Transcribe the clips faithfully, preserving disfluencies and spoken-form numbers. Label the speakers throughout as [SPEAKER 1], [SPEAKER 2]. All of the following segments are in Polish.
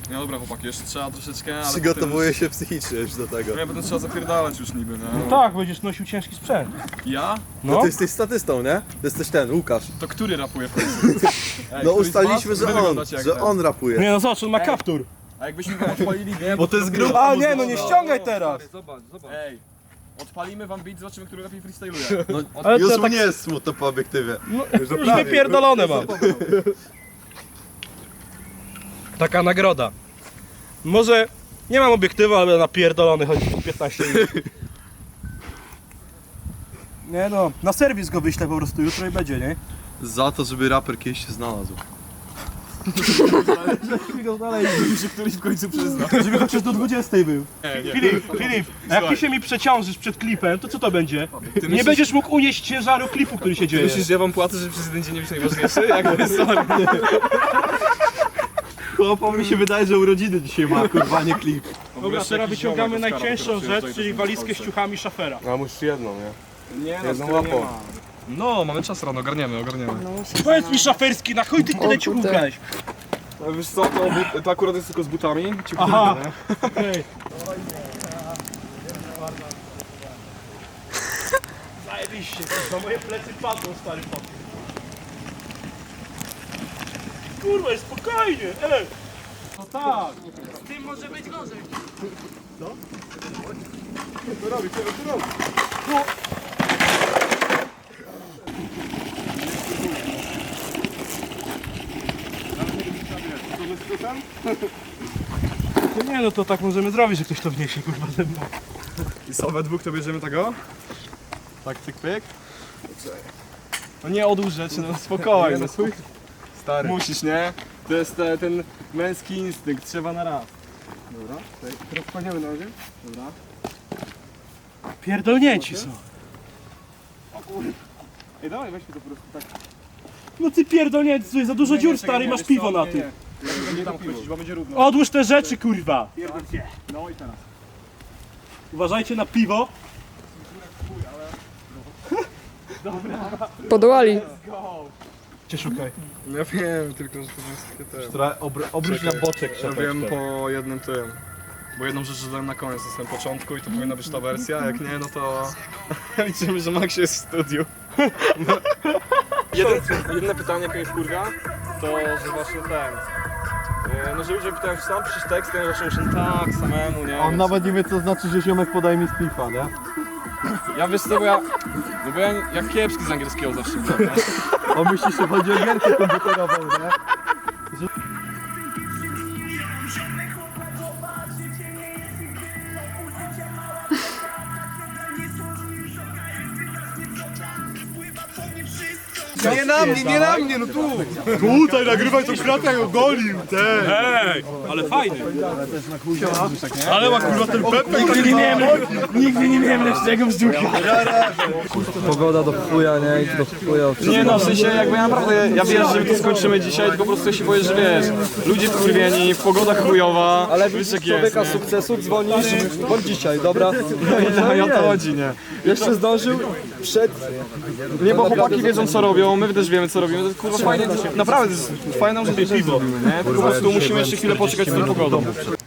[SPEAKER 1] No dobra chłopaki, jeszcze trzeba troszeczkę, ale
[SPEAKER 2] Przygotowuję się psychicznie już do tego.
[SPEAKER 1] No ja potem trzeba zapierdalać już niby, nie?
[SPEAKER 3] No tak, będziesz nosił ciężki sprzęt.
[SPEAKER 1] Ja?
[SPEAKER 2] No,
[SPEAKER 3] No.
[SPEAKER 2] ty jesteś statystą, nie? Ty jesteś ten, Łukasz.
[SPEAKER 1] To który rapuje w końcu? Ej,
[SPEAKER 2] No
[SPEAKER 1] któryś z was?
[SPEAKER 2] ustaliliśmy, że
[SPEAKER 1] Wy
[SPEAKER 2] on,
[SPEAKER 1] wyglądacie jak
[SPEAKER 2] że
[SPEAKER 1] ten.
[SPEAKER 2] on rapuje.
[SPEAKER 3] Nie no zobacz, on ma kaptur.
[SPEAKER 1] A jakbyśmy go odpalili, nie?
[SPEAKER 2] Bo to jest grupa.
[SPEAKER 3] A nie, no nie ściągaj teraz.
[SPEAKER 4] Zobacz, zobacz.
[SPEAKER 1] Ej, odpalimy wam beat, zobaczymy, który lepiej freestyluje.
[SPEAKER 2] No,
[SPEAKER 3] Ale
[SPEAKER 2] już
[SPEAKER 3] to
[SPEAKER 2] mu
[SPEAKER 3] tak-
[SPEAKER 2] nie jest smutno po obiektywie.
[SPEAKER 3] No, już wypierdolone mam. Taka nagroda. Może nie mam obiektywu, ale napierdolony chodzi piętnaście minut. Nie no, na serwis go wyślę po prostu jutro i będzie, nie?
[SPEAKER 2] Za to, żeby raper kiedyś się znalazł.
[SPEAKER 1] Że któryś w końcu przyzna.
[SPEAKER 3] Żeby chociaż do dwudziestej był.
[SPEAKER 1] Nie, nie.
[SPEAKER 3] Filip, Filip, a jak ty się mi przeciążysz przed klipem, to co to będzie? Nie
[SPEAKER 1] myślisz-
[SPEAKER 3] będziesz mógł unieść ciężaru klipu, który się dzieje.
[SPEAKER 1] Myślisz, że ja wam płacę, że przez jeden dzień nie być najważniejszy? Jakby sorry.
[SPEAKER 2] Chłopom mi się wydaje, że urodziny dzisiaj ma, kurwa, nie klip.
[SPEAKER 3] Dobra, teraz wyciągamy
[SPEAKER 1] ziomek
[SPEAKER 3] najcięższą
[SPEAKER 1] Oscara,
[SPEAKER 3] rzecz,
[SPEAKER 1] który
[SPEAKER 3] czyli
[SPEAKER 1] przyjeżdża
[SPEAKER 3] walizkę z ciuchami szafera.
[SPEAKER 2] A musisz jedną, nie?
[SPEAKER 1] Nie, no,
[SPEAKER 2] Jedną
[SPEAKER 1] z którą nie
[SPEAKER 2] łapą.
[SPEAKER 1] ma. No, mamy czas rano, ogarniemy, ogarniemy.
[SPEAKER 3] Powiedz mi szaferski, na chuj ty tyle ciuchów brałeś?
[SPEAKER 1] No, wiesz co, to, but, to akurat jest tylko z butami. Ci
[SPEAKER 3] Aha.
[SPEAKER 1] kupię, nie?
[SPEAKER 3] Okej. Zajebiście, na moje plecy padną, stary pot. Kurwa, jest spokojnie, ej! No tak!
[SPEAKER 5] Z tym może być gorzej.
[SPEAKER 3] No nie no, to tak możemy zrobić, że ktoś to wniesie, kurwa, ze mną.
[SPEAKER 1] I co, we dwóch to bierzemy tego? Tak, tyk, pyk. No nie odłóż rzeczy, no spokojnie. No, swój...
[SPEAKER 2] Stary.
[SPEAKER 1] Musisz, nie? To jest e, ten męski instynkt, trzeba na raz. Dobra, tutaj. Teraz kłaniamy na razie. Dobra.
[SPEAKER 3] Pierdolnięci są.
[SPEAKER 1] Ej, dawaj, weźmy to po prostu tak.
[SPEAKER 3] No ty pierdolnięci, słuchaj, za dużo
[SPEAKER 1] Nie, nie,
[SPEAKER 3] dziur,
[SPEAKER 1] czekaj,
[SPEAKER 3] stary,
[SPEAKER 1] nie,
[SPEAKER 3] masz
[SPEAKER 1] wiesz
[SPEAKER 3] piwo
[SPEAKER 1] co?
[SPEAKER 3] na
[SPEAKER 1] Nie,
[SPEAKER 3] tym.
[SPEAKER 1] nie. Nie tam chwycić, bo będzie równo.
[SPEAKER 3] Odłóż te rzeczy, kurwa.
[SPEAKER 1] No i teraz.
[SPEAKER 3] Uważajcie na piwo.
[SPEAKER 5] Podołali.
[SPEAKER 3] Cię szukaj.
[SPEAKER 1] Ja wiem, tylko że to jest takie te...
[SPEAKER 2] Która obróć na boczek
[SPEAKER 1] Ja wiem po jednym tym. Bo jedną rzecz dodałem na koniec, to jest na początku i to powinna być ta wersja, jak nie, no to liczymy, że Max jest w studiu. Jeden, jedno pytanie, jakie jest kurwa, to że właśnie ten, e, no że ludzie pytają, czy sam piszesz tekst, ja zaczął się tak, samemu, nie?
[SPEAKER 2] On
[SPEAKER 1] Więc
[SPEAKER 2] nawet nie wie, co znaczy, że ziomek podaje mi splifa, nie?
[SPEAKER 1] Ja wiesz co, bo ja, no bo ja, ja kiepski z angielskiego zawsze byłem, nie?
[SPEAKER 2] On myśli, że chodzi o gierkę komputerową, nie?
[SPEAKER 4] Nie na mnie, nie na mnie, no tu!
[SPEAKER 3] Tutaj nagrywaj to świat, jak ogolił, ten. Ej, ale fajny. Ale ma kurwa ten pepek. Nigdy nie miałem, nigdy nie miałem lepszego brzucha.
[SPEAKER 4] Pogoda do chuja, nie? I do chuja.
[SPEAKER 1] Nie no, w sensie jakby ja naprawdę, ja wiem, że my to skończymy dzisiaj, tylko po prostu ja się boję, że wiesz, ludzie wkurwieni, pogoda chujowa,
[SPEAKER 4] Ale
[SPEAKER 1] wiesz
[SPEAKER 4] widzisz
[SPEAKER 1] jak jest,
[SPEAKER 4] człowieka
[SPEAKER 1] nie?
[SPEAKER 4] sukcesu, dzwonisz, bądź dzisiaj, dobra?
[SPEAKER 1] No i o to chodzi, nie?
[SPEAKER 4] Jeszcze zdążył przed...
[SPEAKER 1] Nie, bo chłopaki wiedzą co robią, my też wiemy co robimy, to jest kurwa fajnie, naprawdę to jest fajną rzecz, że zrobimy, nie? Tylko po prostu musimy jeszcze chwilę poczekać z tą pogodą.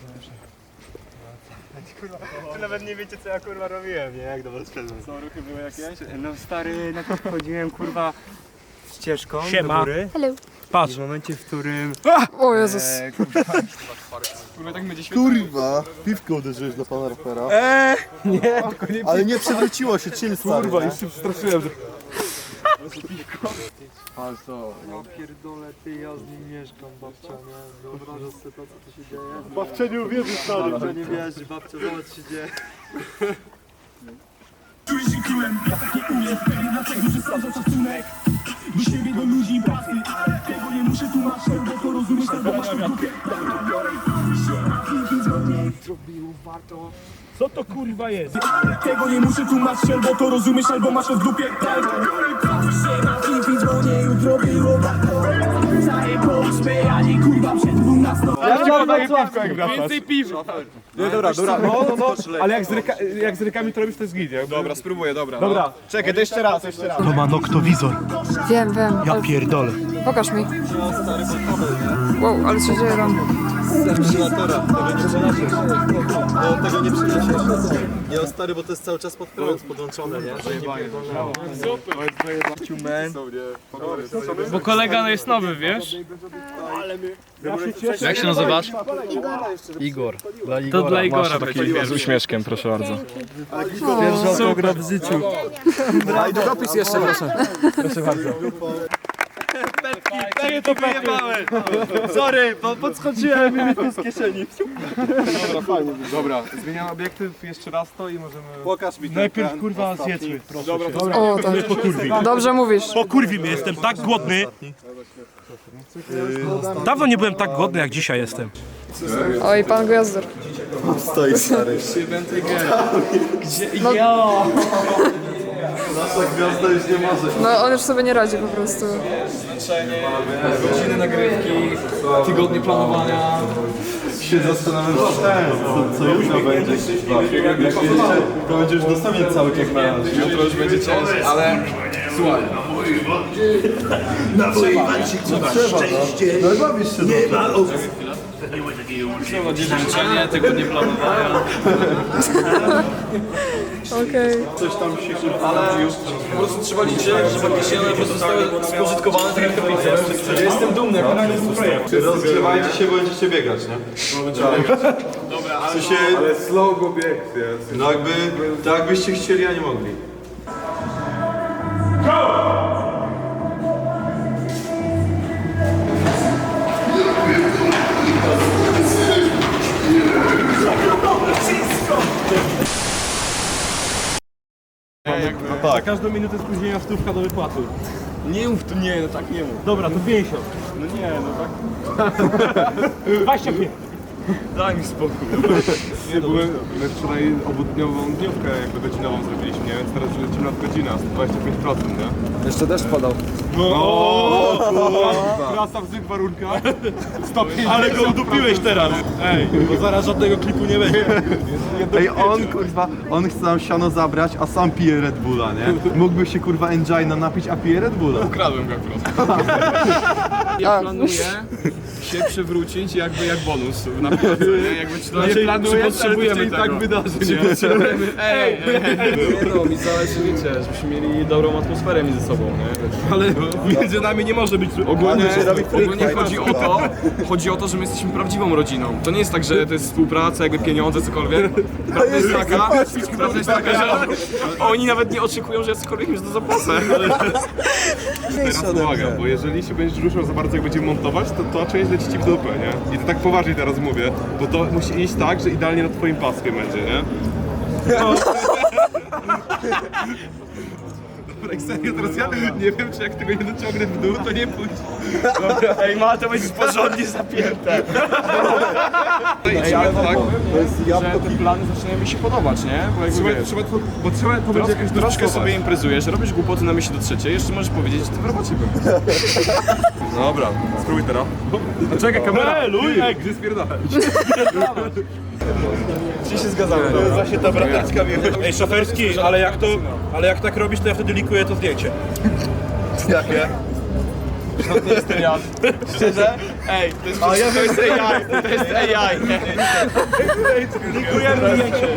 [SPEAKER 3] Nawet nie wiecie, co ja kurwa robiłem, nie? Jak do was wszedłem.
[SPEAKER 1] Co, ruchy były jakieś?
[SPEAKER 6] No stary, najpierw chodziłem kurwa ścieżką
[SPEAKER 3] Siema.
[SPEAKER 6] do góry
[SPEAKER 5] Hello.
[SPEAKER 3] Patrz.
[SPEAKER 6] w momencie, w którym
[SPEAKER 5] O Jezus.
[SPEAKER 6] e, kurwa,
[SPEAKER 1] Kurwa, tak będzie świetnie.
[SPEAKER 2] Kurwa, piwko uderzyłeś do pana rapera.
[SPEAKER 3] Eee,
[SPEAKER 2] Ale nie przewróciło się, chill, stary. Kurwa,
[SPEAKER 1] już się przestraszyłem, że...
[SPEAKER 4] Ja pierdolę, ty, ja z nim mieszkam, babcia, nie? Wyobrażasz sobie to, co tu się dzieje?
[SPEAKER 3] babcia nie uwierzy, stary.
[SPEAKER 4] Babcia nie wierzy, babcia, zobacz, co się dzieje.
[SPEAKER 3] Co to kurwa jest?
[SPEAKER 7] Tego nie muszę tłumaczyć, albo to rozumiesz, albo masz to w dupie. Się na film, dzwonię, jutro było warto. Zaję po ósmej, a nie kurwa przed dwunastą.
[SPEAKER 3] Ja chciałem daję piwko jak wracasz.
[SPEAKER 1] Więcej piwa!
[SPEAKER 3] Nie, dobra, dobra, no, no, no, ale jak z, ręka, jak z rękami to robisz, to jest git, nie?
[SPEAKER 1] Dobra, spróbuję, dobra.
[SPEAKER 3] Dobra.
[SPEAKER 1] Czekaj, to jeszcze raz, jeszcze raz.
[SPEAKER 3] To ma noktowizor,
[SPEAKER 5] Wiem, wiem.
[SPEAKER 3] ja
[SPEAKER 5] ale
[SPEAKER 3] pierdolę.
[SPEAKER 5] pokaż mi. Wow, ale co dzieje tam?
[SPEAKER 2] Terminatora, tego nie przyniesiesz. No tego nie przyniesiesz. Nie, o stary, bo to jest cały czas pod prąd podłączone, nie? Że nie pierdolnęło.
[SPEAKER 3] Bo kolega jest nowy, wiesz?
[SPEAKER 1] Jak się nazywasz?
[SPEAKER 2] Igor. Dla
[SPEAKER 3] To dla Igora
[SPEAKER 1] Taki
[SPEAKER 3] będzie
[SPEAKER 1] z uśmieszkiem, proszę bardzo.
[SPEAKER 2] Pierwszy autograf w życiu.
[SPEAKER 1] A i dopis jeszcze, proszę.
[SPEAKER 3] Takie to wyjebałem!
[SPEAKER 2] Sorry, bo podskoczyłem i mi to z kieszeni.
[SPEAKER 1] Dobra, fajnie. Dobra, zmieniam obiektyw jeszcze raz to i możemy...
[SPEAKER 2] Pokaż mi ten
[SPEAKER 3] Najpierw
[SPEAKER 2] ten
[SPEAKER 3] kurwa
[SPEAKER 2] ostatni.
[SPEAKER 3] zjedzmy, proszę.
[SPEAKER 1] Dobra, to
[SPEAKER 5] O, tak. Dobrze mówisz.
[SPEAKER 3] Pokurwi mnie, jestem tak głodny. Dawno nie byłem tak głodny jak dzisiaj jestem.
[SPEAKER 5] Oj, pan Gwiazdor.
[SPEAKER 2] Stoi stary.
[SPEAKER 5] No,
[SPEAKER 2] Nasza gwiazda już nie może.
[SPEAKER 5] no on już sobie nie radzi po prostu.
[SPEAKER 1] zmęczenie, godziny nagrywki, tygodnie planowania.
[SPEAKER 2] Się zastanawiam, co ten, co, co jutro będzie. Jak jeszcze, to będzie już dostępnie cały czas na nas.
[SPEAKER 1] Jutro już będzie ciężej, ale słuchaj.
[SPEAKER 2] No i bawisz się dobrze.
[SPEAKER 1] Trzeba życzenie, tygodnie planowania.
[SPEAKER 5] Okej.
[SPEAKER 2] Coś tam się
[SPEAKER 1] Ale po prostu trzeba liczyć, że faktycznie one zostały spożytkowane tak jak to widzę. Ja jestem dumny, jak to jest projekt.
[SPEAKER 2] rozgrzewajcie się, bo będziecie biegać, nie? Dobra, ale... się...
[SPEAKER 8] Ale slow go bieg jest.
[SPEAKER 2] No jakby, tak jakbyście chcieli, a nie mogli. No tak.
[SPEAKER 3] Każdą minutę spóźnienia stówka do wypłaty.
[SPEAKER 1] Nie mów tu, nie, no tak nie mów.
[SPEAKER 3] Dobra, to pięćdziesiąt.
[SPEAKER 1] No nie, no tak.
[SPEAKER 3] dwadzieścia pięć.
[SPEAKER 1] Daj mi spokój.
[SPEAKER 8] Nie, bo my, my wczoraj obudniową dniówkę jakby godzinową zrobiliśmy, nie? Więc teraz lecimy nad godzinę, sto dwadzieścia pięć procent, nie?
[SPEAKER 1] Jeszcze deszcz padał.
[SPEAKER 8] Trasa w złych warunkach. sto pięćdziesiąt.
[SPEAKER 3] Ale go udupiłeś teraz. Ej, bo zaraz żadnego klipu nie będzie.
[SPEAKER 2] Ej, on kurwa, on chce nam siano zabrać, a sam pije Red Bulla, nie? Mógłby się kurwa Engina napić, a pije Red Bulla.
[SPEAKER 1] Ukradłem go akurat. Ja planuję się przywrócić jakby jak bonus na piłce, nie? Jakby czy,
[SPEAKER 2] Znaczy,
[SPEAKER 1] nie planuję,
[SPEAKER 2] czy potrzebujemy
[SPEAKER 1] ale to się
[SPEAKER 2] tego.
[SPEAKER 1] tak wydarzy, nie? Potrzebujemy, ej, ej, ej. Nie no, mi zależy, wiecie, żebyśmy mieli dobrą atmosferę między sobą, nie?
[SPEAKER 3] Ale między nami nie może być...
[SPEAKER 1] Ogólnie,
[SPEAKER 2] Ale się robi freak
[SPEAKER 1] ogólnie
[SPEAKER 2] fight.
[SPEAKER 1] chodzi o to, chodzi o to, że my jesteśmy prawdziwą rodziną. To nie jest tak, że to jest współpraca, jakby pieniądze, cokolwiek. Prawda jest taka, prawda jest taka, że oni nawet nie oczekują, że ja cokolwiek już to zapłacę.
[SPEAKER 8] Teraz uwaga, bo jeżeli się będziesz ruszał za bardzo jak będziemy montować, to to część leci ci w dupę, nie? I to tak poważnie teraz mówię, bo to musi iść tak, że idealnie nad twoim paskiem będzie, nie? Dobra, jak serio, teraz ja nie wiem, czy jak tego nie dociągnę w dół, to nie pójdzie.
[SPEAKER 3] Ej, ma to będzie porządnie zapięte.
[SPEAKER 1] Ej, ale tak, że te plany zaczynają mi się podobać, nie? Bo jakby
[SPEAKER 8] Trzeba,
[SPEAKER 1] wiesz,
[SPEAKER 8] trzeba, to, bo trzeba to będzie jakoś
[SPEAKER 1] troszkę
[SPEAKER 8] doszkować.
[SPEAKER 1] sobie imprezujesz, robisz głupoty na myśli do trzeciej, jeszcze możesz powiedzieć, że ty w robocie byłeś.
[SPEAKER 8] Dobra, spróbuj teraz.
[SPEAKER 1] No czekaj, kamera.
[SPEAKER 3] Ej, luj!
[SPEAKER 8] Ej, gdzie spierdalać?
[SPEAKER 1] Czy się zgadzamy?
[SPEAKER 2] Właśnie ta brateczka mi
[SPEAKER 3] Ej, szoferski, ale jak to... Ale jak tak robisz, to ja wtedy likuję to zdjęcie.
[SPEAKER 2] jakie?
[SPEAKER 1] To jest ten jad. Szczerze? Ej, to jest, to jest A I, to jest A I.
[SPEAKER 3] Likujemy zdjęcie.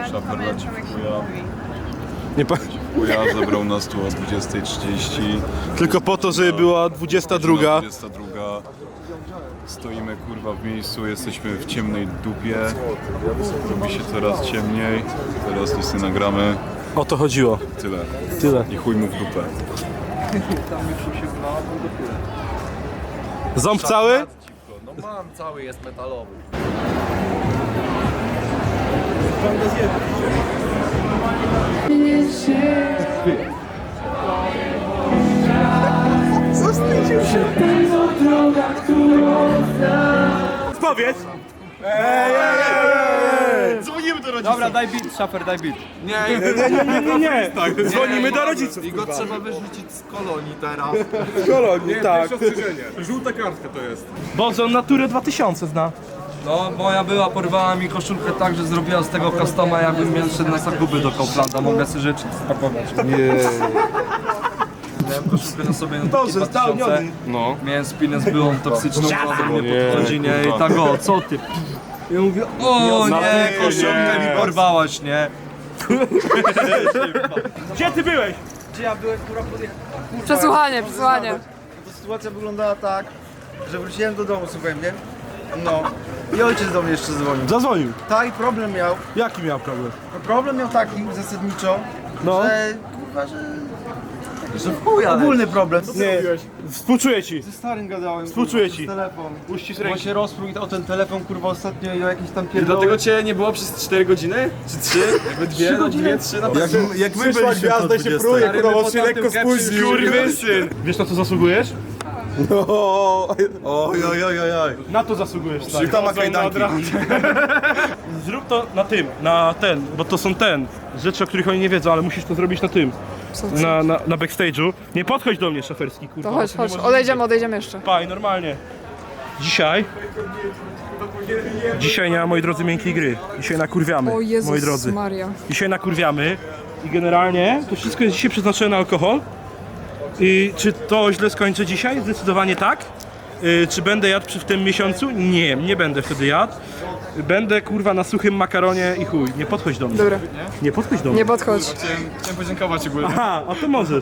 [SPEAKER 8] Nie pa...
[SPEAKER 9] Chuja zabrał nas tu o dwudziestej trzydzieści.
[SPEAKER 3] Tylko po to, żeby była dwudziesta druga.
[SPEAKER 9] dwudziesta druga. Stoimy kurwa w miejscu, jesteśmy w ciemnej dupie. Robi się coraz ciemniej. Teraz nic nie nagramy.
[SPEAKER 3] O to chodziło.
[SPEAKER 9] Tyle.
[SPEAKER 3] Tyle.
[SPEAKER 9] I chuj mu w dupę.
[SPEAKER 3] Ząb cały?
[SPEAKER 1] No mam, cały jest metalowy.
[SPEAKER 3] Powiedz!
[SPEAKER 1] Dzwonimy do rodziców. Dobra, daj beat, szafer, daj beat. Nie,
[SPEAKER 3] Nie, nie, nie, nie. Dzwonimy do rodziców.
[SPEAKER 2] I go trzeba wyrzucić z kolonii teraz.
[SPEAKER 3] Kolonii, tak.
[SPEAKER 8] Ostrzeżenie. Żółta kartka to jest.
[SPEAKER 3] Boże, on Naturę dwa tysiące zna.
[SPEAKER 4] No, moja była porwała mi koszulkę tak, że zrobiła z tego customa, jakbym miał szedł na zakupy do Kauflanda. Mogę sobie rzeczy spakować. miałem koszulkę na sobie na
[SPEAKER 3] Dobrze, spełniony.
[SPEAKER 1] No.
[SPEAKER 4] Miałem spinę z byłą toksyczną wodą, nie
[SPEAKER 8] Nie,
[SPEAKER 4] podchodzi, nie? I
[SPEAKER 8] kurwa.
[SPEAKER 4] tak o, co ty? Ja mówię, o nie, koszulkę mi porwałaś, nie?
[SPEAKER 3] Gdzie ty byłeś?
[SPEAKER 6] Gdzie ja byłem, kurwa, podjechałem?
[SPEAKER 5] Przesłuchanie, przesłuchanie.
[SPEAKER 6] To sytuacja wyglądała tak, że wróciłem do domu, słuchaj mnie. No. I ojciec do mnie jeszcze dzwonił.
[SPEAKER 3] Zadzwonił.
[SPEAKER 6] Tak, i problem miał.
[SPEAKER 3] Jaki miał problem?
[SPEAKER 6] No, problem miał taki zasadniczo,
[SPEAKER 3] No.
[SPEAKER 6] że kurwa, że... Że w chuj, ogólny problem.
[SPEAKER 3] Nie, współczuję ci.
[SPEAKER 6] Ze starym gadałem.
[SPEAKER 3] Współczuję
[SPEAKER 6] kurwa,
[SPEAKER 3] ci.
[SPEAKER 6] przez telefon.
[SPEAKER 3] Uścisk
[SPEAKER 6] Bo
[SPEAKER 3] ręki.
[SPEAKER 6] się rozprół o ten telefon, kurwa, ostatnio i o jakieś tam
[SPEAKER 1] I
[SPEAKER 6] pierdoły.
[SPEAKER 1] dlatego cię nie było przez cztery godziny? Czy trzy? Jakby dwie, no dwie, trzy, na
[SPEAKER 2] Jak, jak my
[SPEAKER 3] Przyszła
[SPEAKER 2] byliśmy
[SPEAKER 3] gwiazda
[SPEAKER 2] po
[SPEAKER 3] i się
[SPEAKER 2] dwudziestej.
[SPEAKER 3] pruje,
[SPEAKER 1] Stary,
[SPEAKER 3] kurwa,
[SPEAKER 1] my
[SPEAKER 3] bo się
[SPEAKER 1] po
[SPEAKER 3] lekko
[SPEAKER 1] tamtym
[SPEAKER 3] spóźnił.
[SPEAKER 1] Kurwysyn!
[SPEAKER 3] Wiesz na co zasługujesz?
[SPEAKER 2] Oj, oj, oj, oj, oj.
[SPEAKER 3] Na to zasługujesz, stary.
[SPEAKER 2] Tam ma kajdanki.
[SPEAKER 3] Zrób to na tym, na ten, bo to są ten, rzeczy, o których oni nie wiedzą, ale musisz to zrobić na tym, na, na, na backstage'u. Nie podchodź do mnie, szaferski, kurwa.
[SPEAKER 5] To chodź,
[SPEAKER 3] bo
[SPEAKER 5] chodź,
[SPEAKER 3] nie możesz
[SPEAKER 5] odejdziemy, odejdziemy jeszcze.
[SPEAKER 3] Paj, normalnie. Dzisiaj... Dzisiaj nie ma, moi drodzy, miękkiej gry. Dzisiaj nakurwiamy,
[SPEAKER 5] O
[SPEAKER 3] moi
[SPEAKER 5] Jezus
[SPEAKER 3] drodzy.
[SPEAKER 5] Maria.
[SPEAKER 3] Dzisiaj nakurwiamy i generalnie to wszystko jest dzisiaj przeznaczone na alkohol. I czy to źle skończę dzisiaj? Zdecydowanie tak. Y, czy będę jadł przy w tym miesiącu? Nie, nie będę wtedy jadł. Będę kurwa na suchym makaronie i chuj. Nie podchodź do mnie.
[SPEAKER 5] Dobra,
[SPEAKER 3] Nie podchodź do mnie.
[SPEAKER 5] nie podchodź.
[SPEAKER 1] Chciałem, chciałem podziękować ogólnie.
[SPEAKER 3] Aha, a to możesz.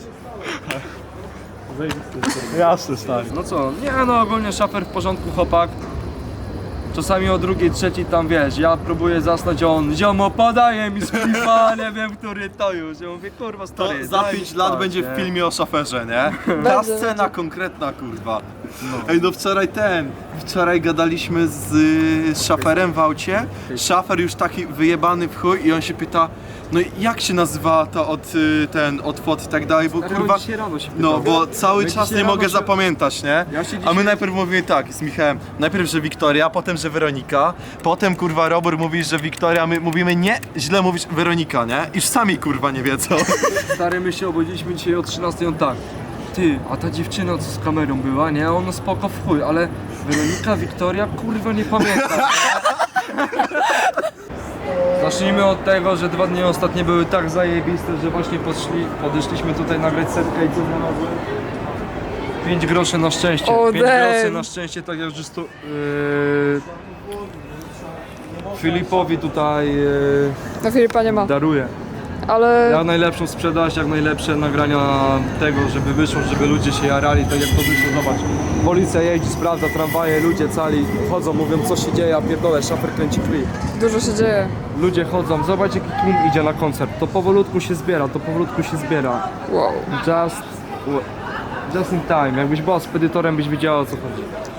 [SPEAKER 3] Jasne, stary.
[SPEAKER 4] No co, nie no, ogólnie szafer w porządku, chłopak. Czasami o drugiej, trzeciej tam, wiesz, ja próbuję zasnąć, a on, ziomo, podaje mi splifa, nie wiem, który to już. Ja mówię, kurwa,
[SPEAKER 2] To
[SPEAKER 4] stary,
[SPEAKER 2] za
[SPEAKER 4] daj
[SPEAKER 2] pięć
[SPEAKER 4] mi
[SPEAKER 2] lat
[SPEAKER 4] spać,
[SPEAKER 2] będzie
[SPEAKER 4] nie?
[SPEAKER 2] w filmie o szaferze, nie? Ta
[SPEAKER 5] Będzie,
[SPEAKER 2] scena konkretna, kurwa. Ej, no wczoraj ten, wczoraj gadaliśmy z, y, z szaferem w aucie. Szafer już taki wyjebany w chuj i on się pyta, no i jak się nazywa to od y, ten, od fot i tak dalej, bo
[SPEAKER 4] Stary, on
[SPEAKER 2] kurwa...
[SPEAKER 4] dzisiaj rano się
[SPEAKER 2] No,
[SPEAKER 4] pytał.
[SPEAKER 2] bo cały
[SPEAKER 4] My
[SPEAKER 2] czas
[SPEAKER 4] dzisiaj
[SPEAKER 2] nie mogę
[SPEAKER 4] rano się-
[SPEAKER 2] zapamiętać, nie?
[SPEAKER 4] Ja się
[SPEAKER 2] A
[SPEAKER 4] dzisiaj-
[SPEAKER 2] my najpierw mówimy tak z Michałem, najpierw, że Wiktoria, potem, że Weronika, potem kurwa Robert mówi, że Wiktoria, my mówimy nie, źle mówisz Weronika, nie? Iż sami kurwa nie wiedzą.
[SPEAKER 4] Stary, my się obudziliśmy dzisiaj o trzynastej, on tak. Ty, a ta dziewczyna co z kamerą była, nie? Ona spoko w chuj, ale Weronika, Wiktoria, kurwa nie pamiętam. Zacznijmy od tego, że dwa dni ostatnie były tak zajebiste, że właśnie podszli, podeszliśmy tutaj nagrać setkę i co znalazłem? pięć groszy na szczęście.
[SPEAKER 5] O,
[SPEAKER 4] pięć
[SPEAKER 5] damn.
[SPEAKER 4] groszy na szczęście, tak jak już tu... Yy, Filipowi tutaj yy,
[SPEAKER 5] Na Filipa nie ma,
[SPEAKER 4] daruję.
[SPEAKER 5] ale
[SPEAKER 4] Jak najlepszą sprzedaż, jak najlepsze nagrania tego, żeby wyszło, żeby ludzie się jarali, tak jak to wyszło, zobacz. Policja jeździ, sprawdza tramwaje, ludzie cali chodzą, mówią co się dzieje, a pierdolę, szafer kręci klip.
[SPEAKER 5] dużo się dzieje.
[SPEAKER 4] Ludzie chodzą, zobacz jaki tłum idzie na koncert, to powolutku się zbiera, to powolutku się zbiera.
[SPEAKER 5] Wow.
[SPEAKER 4] Just, just in time, jakbyś była spedytorem, byś wiedziała o co chodzi.